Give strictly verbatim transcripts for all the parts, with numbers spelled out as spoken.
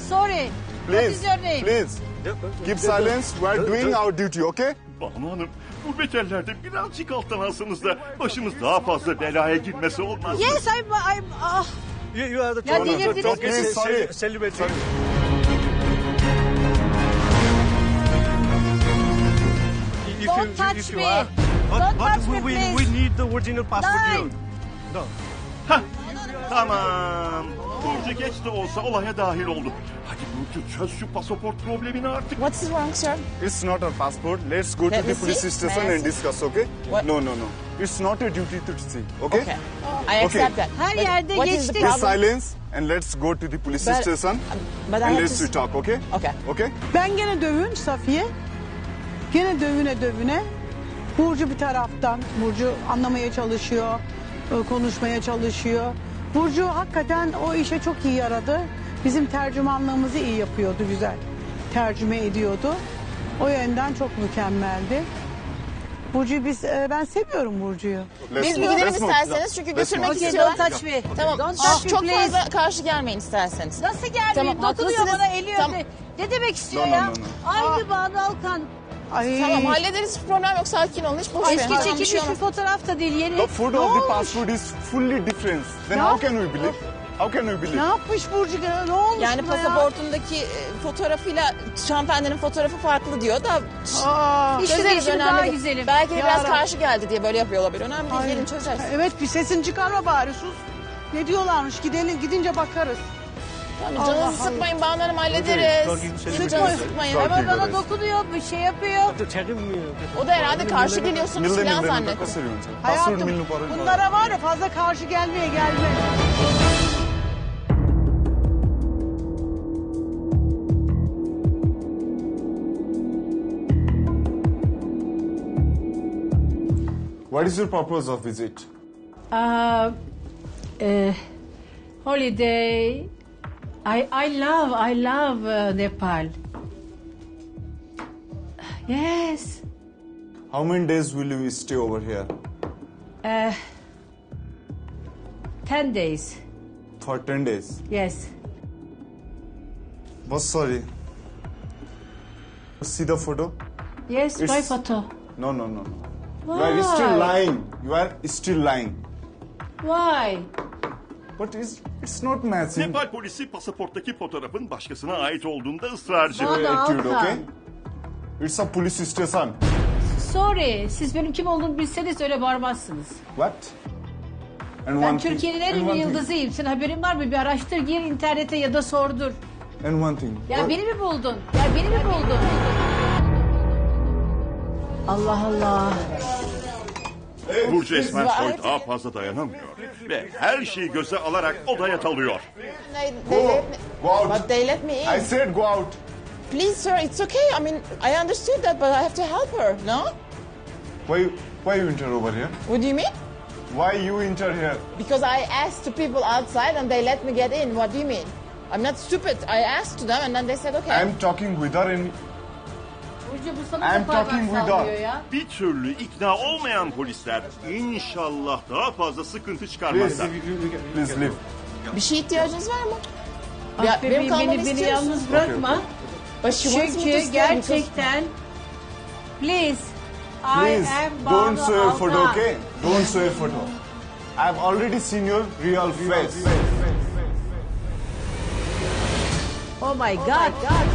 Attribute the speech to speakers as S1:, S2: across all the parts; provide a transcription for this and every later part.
S1: sorry. What
S2: Please,
S1: is your name?
S2: please. Keep silence. We are doing our duty, okay?
S3: Banu Hanım, bu beterlerde birazcık alttan alsanız da başımız daha fazla belaya girmesi olmaz mı?
S1: Yes, I'm... I'm ah.
S4: You, you are the
S1: Ya
S4: talker.
S1: delirdiniz
S4: Talker,
S1: mi?
S4: se-
S2: Sorry.
S4: se- celebrity.
S2: Sorry.
S4: If
S1: Don't
S4: you-
S1: touch
S4: if you
S1: me.
S4: are- But,
S1: Don't
S4: but
S1: touch
S4: we,
S1: me,
S4: we,
S1: please.
S4: we need the original passport.
S1: Nine.
S4: you. No.
S3: Hah, tamam. Burcu geç de olsa olaya dahil oldu. Hadi Burcu çöz şu pasaport problemini artık.
S5: What's wrong, sir?
S2: It's not our passport. Let's go
S5: Let
S2: to
S5: me
S2: the police
S5: see.
S2: station
S5: May I
S2: and
S5: see?
S2: discuss, okay?
S5: What?
S2: No, no, no. It's not a duty to see, okay?
S5: Okay. I accept that.
S1: Her
S5: But
S1: yerde
S5: what is the
S1: geçtik.
S2: Please
S5: problem?
S2: silence and let's go to the police
S5: But-
S2: station
S5: But I
S2: and
S5: have
S2: let's
S5: to...
S2: we talk, okay?
S5: Okay.
S2: Okay?
S6: Ben gene dövün Safiye. Gene dövüne dövüne. Burcu bir taraftan. Burcu anlamaya çalışıyor. e, Konuşmaya çalışıyor. Burcu hakikaten o işe çok iyi yaradı. Bizim tercümanlığımızı iyi yapıyordu, güzel. Tercüme ediyordu. O yönden çok mükemmeldi. Burcu biz e, ben seviyorum Burcu'yu.
S2: Let's
S5: Biz bir
S2: move,
S5: gidelim
S2: let's move.
S5: isterseniz çünkü
S2: Let's
S5: götürmek
S2: move.
S1: Okay,
S5: istiyorlar.
S1: don't touch me.
S5: Tamam.
S1: Don't
S5: Ah,
S1: touch me,
S5: çok
S1: please.
S5: fazla karşı gelmeyin isterseniz.
S1: Nasıl gelmeyeyim?
S5: Tamam,
S1: Dokunuyor
S5: haklısınız.
S1: bana, eliyor.
S5: Tamam.
S1: Ne demek istiyor
S2: No, no,
S1: ya?
S2: no, no.
S1: Aynı Banu Alkan.
S6: Ay.
S5: Tamam hallederiz, hiç problem yok, sakin olun, hiç boş verin.
S1: Eski
S5: Tamam, bir
S1: çekilmiş
S5: şey
S1: bir
S5: olmaz.
S1: fotoğraf da değil, yeni.
S2: The photo
S6: Ne
S2: of the
S6: olmuş?
S2: passport is fully different. Then
S6: Ne
S2: how can we believe? How can we
S6: Ne
S2: believe?
S6: yapmış Burcu gene? Ne olmuş
S5: Yani
S6: buna ya?
S5: pasaportundaki e, fotoğrafıyla hanımefendinin fotoğrafı farklı diyor da
S6: Aa.
S1: İşte
S5: çözeriz,
S1: benim
S5: önemli
S1: daha
S5: değil.
S1: güzelim.
S5: Belki de biraz
S6: Yarabbim.
S5: karşı geldi diye böyle yapıyor olabilir. Önemli değil,
S6: Ay.
S5: gelin çözeriz.
S6: Evet, bir sesini çıkarma bari, sus. Ne diyorlarmış, gidelim, gidince bakarız.
S5: Tamam,
S6: Allah
S5: canınızı
S6: Allah.
S5: sıkmayın, Banu Hanım hallederiz.
S4: Talking
S5: Siz
S4: celebrity.
S5: canınızı sıkmayın.
S2: Talking.
S1: Ama bana
S2: göreriz.
S1: dokunuyor, bir şey yapıyor.
S4: Tell him, uh,
S5: O da herhalde karşı geliyorsunuz
S2: Milli
S5: falan
S2: milli
S5: zannetti.
S2: कसरी हुन्छ? Passport
S6: Hayatım,
S2: मिल्नु पर्यो नि।
S6: bunlara var ya fazla karşı gelmeye gelme.
S2: What is your purpose of visit?
S1: Uh, uh, holiday. I I love I love uh, Nepal. Yes.
S2: How many days will you stay over here?
S1: Uh, ten days.
S2: For ten days.
S1: Yes.
S2: Was sorry. See the photo?
S1: Yes.
S2: It's-
S1: My photo.
S2: No, no, no, no. You
S1: Why?
S2: are still lying. You are still lying.
S1: Why?
S2: But it's, it's not matching.
S3: Nepal polisi pasaporttaki fotoğrafın başkasına ait olduğunda ısrarcı.
S1: Bana
S2: Attitude,
S1: Alkan.
S2: okay? It's a police station.
S1: Sorry. Siz benim kim olduğumu bilseniz öyle bağırmazsınız.
S2: What? And
S1: Ben
S2: one thing-
S1: Türkiye'nin en
S2: and
S1: ünlü
S2: one thing-
S1: yıldızıyım. Senin haberin var mı? Bir araştır, gir internete ya da sordur.
S2: And one thing.
S1: Ya
S2: What-
S1: beni mi buldun? Ya beni mi buldun? Allah Allah.
S3: Burcu Esmersoy
S5: Right.
S3: daha fazla dayanamıyor. Ve her şeyi göze alarak odaya dalıyor.
S5: They, they let me,
S2: Go out.
S5: but they let me in.
S2: I said go out.
S5: Please, sir, it's okay. I mean, I understood that, but I have to help her, no?
S2: Why, why you enter over here?
S5: What do you mean?
S2: Why you enter here?
S5: Because I asked to people outside and they let me get in. What do you mean? I'm not stupid. I asked to them and then they said, okay.
S2: I'm talking with her and
S1: Burcu bu sana
S2: I'm
S1: da parmak
S2: talking with
S1: sallıyor
S2: her.
S1: ya.
S3: Bir türlü ikna olmayan polisler inşallah daha fazla sıkıntı
S2: please,
S3: çıkarmazlar.
S2: please leave.
S5: Bir şey ihtiyacınız var mı?
S1: Ah
S5: Ya,
S1: be,
S5: benim
S1: beni,
S5: kalmamı
S1: beni, beni
S5: istiyorsun.
S1: yalnız bırakma.
S5: But she wants me to
S1: Çünkü
S5: stay
S1: gerçekten please I
S2: Please,
S1: am
S2: don't
S1: Banu
S2: show your photo,
S1: Alkan.
S2: okay? Don't show your photo. I've already seen your real face.
S1: Oh my god.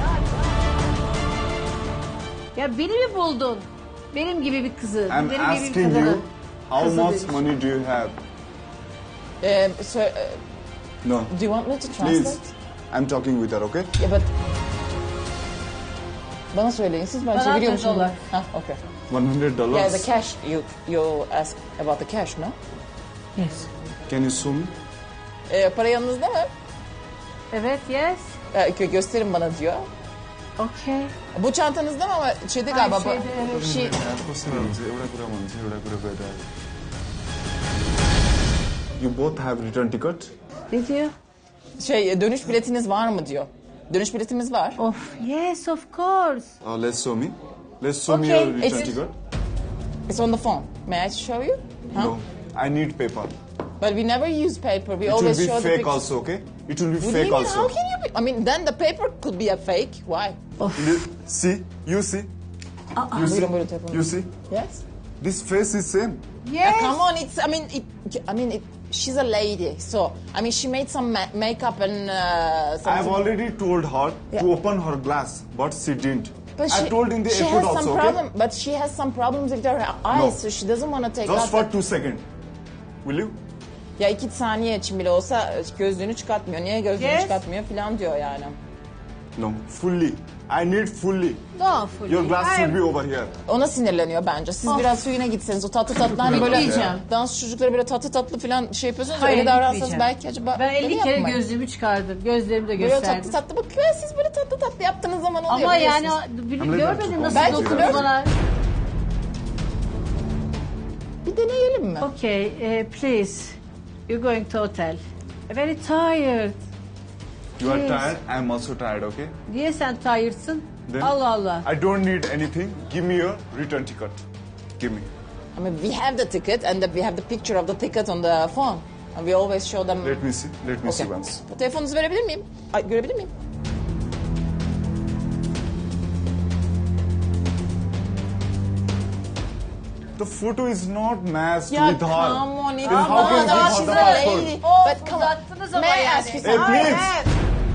S1: Ya beni mi buldun? Benim gibi bir kızı.
S2: I'm
S1: benim gibi bir
S2: asking
S1: kadını.
S2: you, how
S1: Kızı
S2: much
S1: demiş.
S2: money do you have?
S5: because... Um, so, uh,
S2: No,
S5: do you want me to translate?
S2: please. I'm talking with her, okay?
S5: Yeah, but... Bana söyleyin siz, ben
S1: Bana
S5: çeviriyorum
S1: atın
S5: şimdi.
S1: dolar.
S5: Ha, okay.
S2: one hundred dollars.
S5: Yeah, the cash. You you ask about the cash, no?
S1: Yes.
S2: Can you show me?
S5: Ee, para yanınızda mı?
S1: Evet, yes.
S5: Ee, gö- gösterin bana diyor.
S1: Okay.
S5: Bu çantanızda mı ama şeyde
S1: Ay,
S5: galiba. bu-
S1: şeyde, evet.
S5: Bir şey...
S2: कस्तो हुन्छ एउटा कुरा भन्छ एउटा कुरा गएर You both have return ticket?
S1: Ne diyor?
S5: Şey dönüş biletiniz var mı diyor. Dönüş biletimiz var.
S1: Of, yes, of course.
S2: Uh, let's show me. Let's show me
S5: Okay,
S2: your return
S5: it's-
S2: ticket.
S5: It's on the phone. May I show you? Huh?
S2: No, I need paper.
S5: But we never use paper. We
S2: It will
S5: always
S2: be
S5: show the
S2: fake
S5: pictures.
S2: also, okay? It will be
S5: What do you
S2: fake
S5: mean?
S2: also.
S5: How can you be? I mean, then the paper could be a fake. Why?
S2: You see, you see, you see,
S5: Buyurun, buyurun, telefonu.
S2: you see.
S5: Yes.
S2: This face is same.
S5: Yeah, come on, it's. I mean, it. I mean, it, she's a lady, so I mean, she made some ma- makeup and. Uh, some,
S2: I have already told her
S5: Yeah.
S2: to open her glass, but she didn't.
S5: But
S2: I
S5: she,
S2: told in the
S5: she
S2: airport
S5: has some
S2: also.
S5: problem,
S2: Okay?
S5: but she has some problems with her eyes,
S2: No.
S5: so she doesn't want to take
S2: Just
S5: out.
S2: for
S5: the-
S2: two seconds. Will you?
S5: Ya iki saniye için bile olsa gözlüğünü çıkartmıyor. Niye gözlüğünü
S1: Yes.
S5: çıkartmıyor falan diyor yani.
S2: No, fully. I need fully.
S1: No, fully.
S2: Your glass
S1: I-
S2: should be over here.
S5: Ona sinirleniyor bence. Siz
S1: Of.
S5: biraz suyuna gitseniz o tatlı tatlı hani böyle
S1: Gitmeyeceğim.
S5: dans çocukları böyle tatlı tatlı falan şey yapıyorsunuz.
S1: Hayır,
S5: öyle davransanız
S1: gitmeyeceğim.
S5: belki acaba
S1: Ben elli
S5: öyle
S1: kere
S5: yapmayın.
S1: gözlüğümü çıkardım. Gözlerimi de
S5: Böyle tatlı
S1: gösterdim.
S5: tatlı bakıyor. Siz böyle tatlı tatlı yaptığınız zaman oluyor
S1: Ama yani
S5: biliyorsunuz.
S1: bir-
S2: Ama
S1: görmedin
S2: neden?
S1: nasıl
S5: Belki
S1: dokundu
S5: biliyorum.
S1: bana.
S5: Bir deneyelim mi?
S1: Okay, eh, please. You're going to hotel. Very tired.
S2: You are
S1: Yes.
S2: tired. I am also tired. Okay.
S1: Niye sen tired'sın?
S2: Then
S1: Allah Allah.
S2: I don't need anything. Give me your return ticket. Give me.
S5: I mean, we have the ticket and the, we have the picture of the ticket on the phone. And we always show them.
S2: Let me see. Let me see
S5: Okay.
S2: once.
S5: Telefonunuzu verebilir miyim? Ay, görebilir miyim?
S2: The photo is not matched
S5: Ya
S2: with her.
S5: come on, it's
S2: Then how can you
S5: not.
S2: give
S5: She's
S2: her
S5: a
S2: the passport?
S5: lady.
S1: Of,
S5: But come on.
S1: uzattınız ama
S5: May I
S1: yani.
S5: ask you
S2: Hey,
S5: something?
S2: please.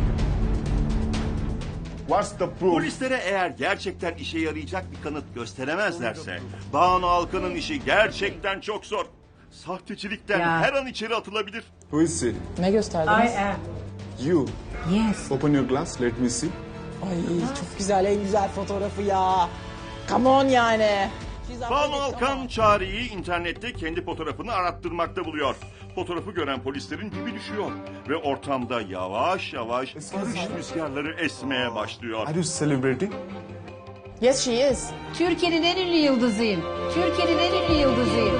S2: What's the proof?
S3: Polislere eğer gerçekten işe yarayacak bir kanıt gösteremezlerse Banu Alkan'ın işi gerçekten çok zor. Sahtecilikten
S1: Ya.
S3: her an içeri atılabilir.
S2: Who is she?
S5: Ne gösterdiniz?
S1: I am.
S2: You.
S1: Yes.
S2: Open your glass. Let me see.
S5: Ay çok güzel, en güzel fotoğrafı ya. Come on yani. She's a
S3: Banu
S5: lady, come
S3: Alkan
S5: on.
S3: Çağrı'yı internette kendi fotoğrafını arattırmakta buluyor. Fotoğrafı gören polislerin dibi düşüyor. Ve ortamda yavaş yavaş barış rüzgarları esmeye başlıyor.
S2: Are you celebrating?
S5: Yes, she is.
S1: Türkiye'nin en ünlü yıldızıyım. Türkiye'nin en ünlü yıldızıyım.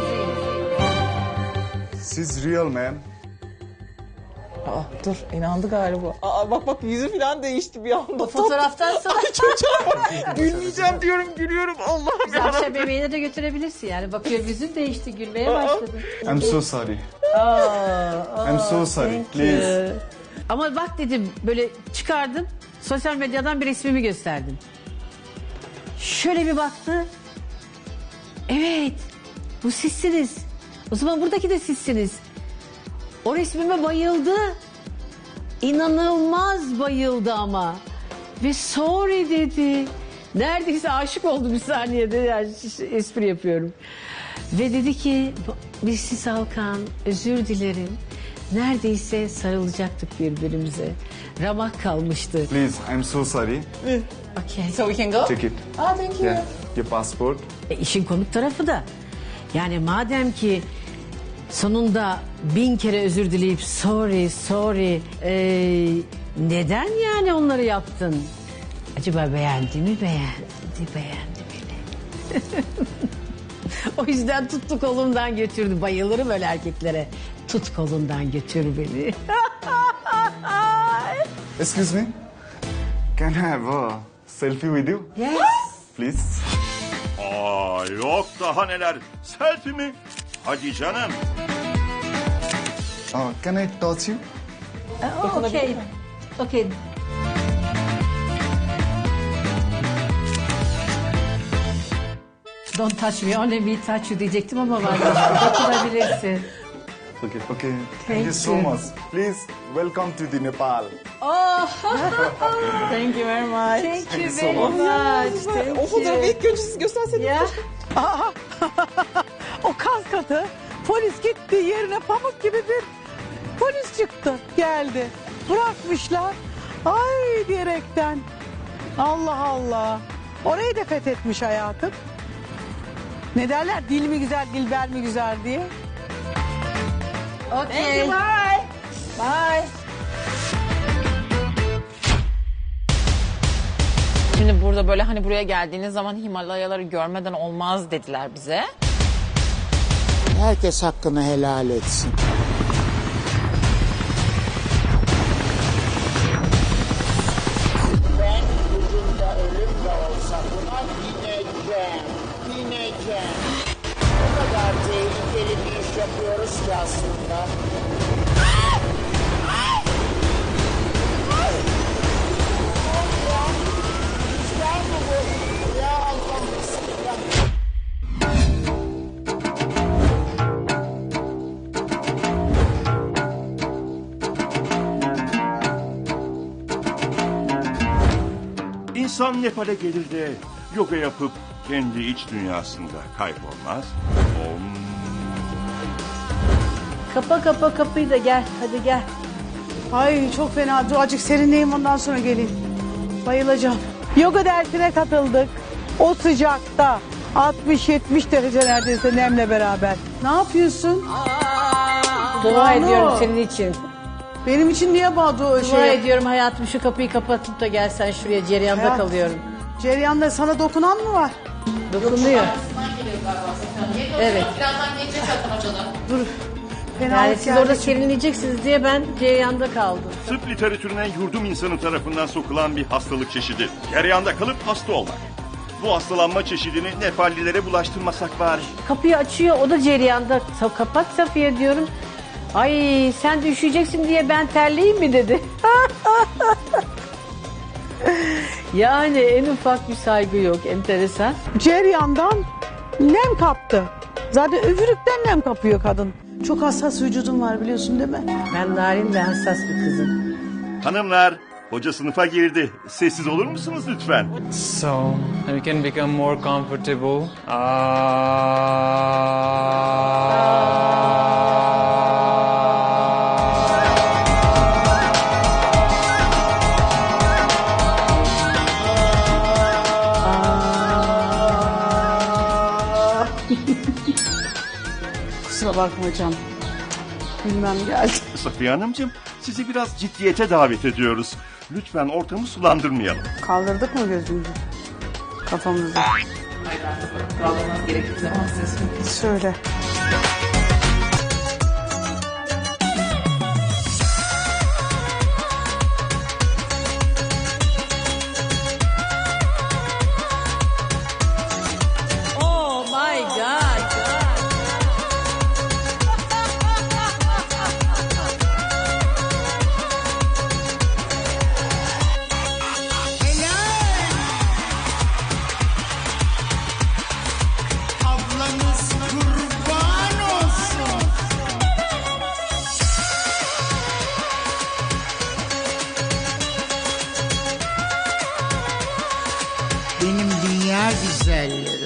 S2: She's real, ma'am.
S5: Aa, dur, inandı galiba. Aa, bak bak yüzü falan değişti bir anda.
S1: Fotoğraftan sonra
S5: Gülmeyeceğim diyorum, gülüyorum. Allah'ım ya.
S1: akşam yemeğine de götürebilirsin yani. Bakıyorum yüzün değişti, gülmeye başladın.
S2: I'm so sorry.
S1: Aa,
S2: I'm so sorry. Please.
S1: Ama bak dedim böyle çıkardım. Sosyal medyadan bir resmimi gösterdim. Şöyle bir baktı. Evet. Bu sizsiniz. O zaman buradaki de sizsiniz. O resmime bayıldı. İnanılmaz bayıldı ama. Ve sorry dedi. Neredeyse aşık oldu bir saniyede. Yani espri yapıyorum. Ve dedi ki Missis Alkan özür dilerim. Neredeyse sarılacaktık birbirimize. Ramak kalmıştı.
S2: Please, I'm so sorry.
S1: Okay.
S5: So we can go?
S2: Take it.
S5: Ah, thank you.
S2: Yeah. Your passport.
S1: E, işin komik tarafı da yani madem ki sonunda bin kere özür dileyip sorry sorry e, neden yani onları yaptın? Acaba beğendi mi beğendi beğendi beni. O yüzden tuttu kolumdan götürdü. Bayılırım öyle erkeklere. Tut kolundan götür beni.
S2: Excuse me. Can I have a selfie with you?
S1: Yes.
S2: Please.
S3: Aa yok daha neler. Selfie mi? Hadi canım.
S2: Uh, can I touch you?
S1: Oh, okay. Okay. Don't touch me, only me touch you diyecektim ama vazgeçtim. Dokunabilirsin.
S2: Okay. Okay. Thank,
S1: Thank
S2: you so
S1: you.
S2: much. Please welcome to the Nepal.
S1: Oh,
S5: Thank you very much.
S1: thank you
S2: you so
S1: very
S2: much.
S1: much.
S5: O
S1: Thank
S5: fotoğrafı
S1: you.
S5: ilk önce siz gösterseniz.
S1: Ya.
S6: O kaskatı polis gitti yerine pamuk gibi bir polis çıktı geldi. Bırakmışlar. Ay diyerekten. Allah Allah. Orayı da fethetmiş hayatım. Ne derler? Dil mi güzel, dilber mi güzel diye.
S1: Okay.
S5: Bye. Bye. Şimdi burada böyle hani buraya geldiğiniz zaman Himalayaları görmeden olmaz dediler bize.
S7: Herkes hakkını helal etsin. Ben ucunda ölüm de olsa buna bineceğim. Bineceğim. O kadar tehlikeli bir iş yapıyoruz ki aslında.
S3: insan Nepal'e gelir de yoga yapıp kendi iç dünyasında kaybolmaz? Om.
S1: Kapa kapa kapıyı da gel. Hadi gel.
S6: Ay çok fena. Dur azıcık serinleyeyim ondan sonra geleyim. Bayılacağım. Yoga dersine katıldık. O sıcakta altmış yetmiş derece neredeyse nemle beraber. Ne yapıyorsun?
S1: Dua
S6: Banu.
S1: ediyorum senin için.
S6: Benim için niye Badu o
S1: Dua
S6: şey?
S1: ediyorum hayatım, şu kapıyı kapatıp da gelsen şuraya, cereyanda
S6: Hayat.
S1: kalıyorum.
S6: Ceryan'da sana dokunan mı var?
S1: Dokunuyor. Evet.
S6: Dur. Fena
S1: Yani
S6: yani
S1: siz orada serinleyeceksiniz diye ben cereyanda kaldım.
S3: Tıp literatürüne yurdum insanı tarafından sokulan bir hastalık çeşidi. Cereyanda kalıp hasta olmak. Bu hastalanma çeşidini Nepallilere bulaştırmasak bari.
S1: Kapıyı açıyor, o da cereyanda. Sa- Kapat Safiye diyorum. Ay sen de üşüyeceksin diye ben terleyeyim mi dedi. Yani en ufak bir saygı yok, enteresan.
S6: Ceryan'dan nem kaptı. Zaten üfürükten nem kapıyor kadın. Çok hassas vücudun var biliyorsun değil mi?
S1: Ben narin ve hassas bir kızım.
S3: Hanımlar, hoca sınıfa girdi. Sessiz olur musunuz lütfen?
S8: So we can become more comfortable.
S6: Kusura bakma canım. Bilmem geldi.
S3: Safiye Hanımcığım, sizi biraz ciddiyete davet ediyoruz. Lütfen ortamı sulandırmayalım.
S6: Kaldırdık mı gözümüzü? Kafamızı. Söyle.
S1: Oh my God.
S7: Ablanız kurban olsun. Benim dünya güzelleri.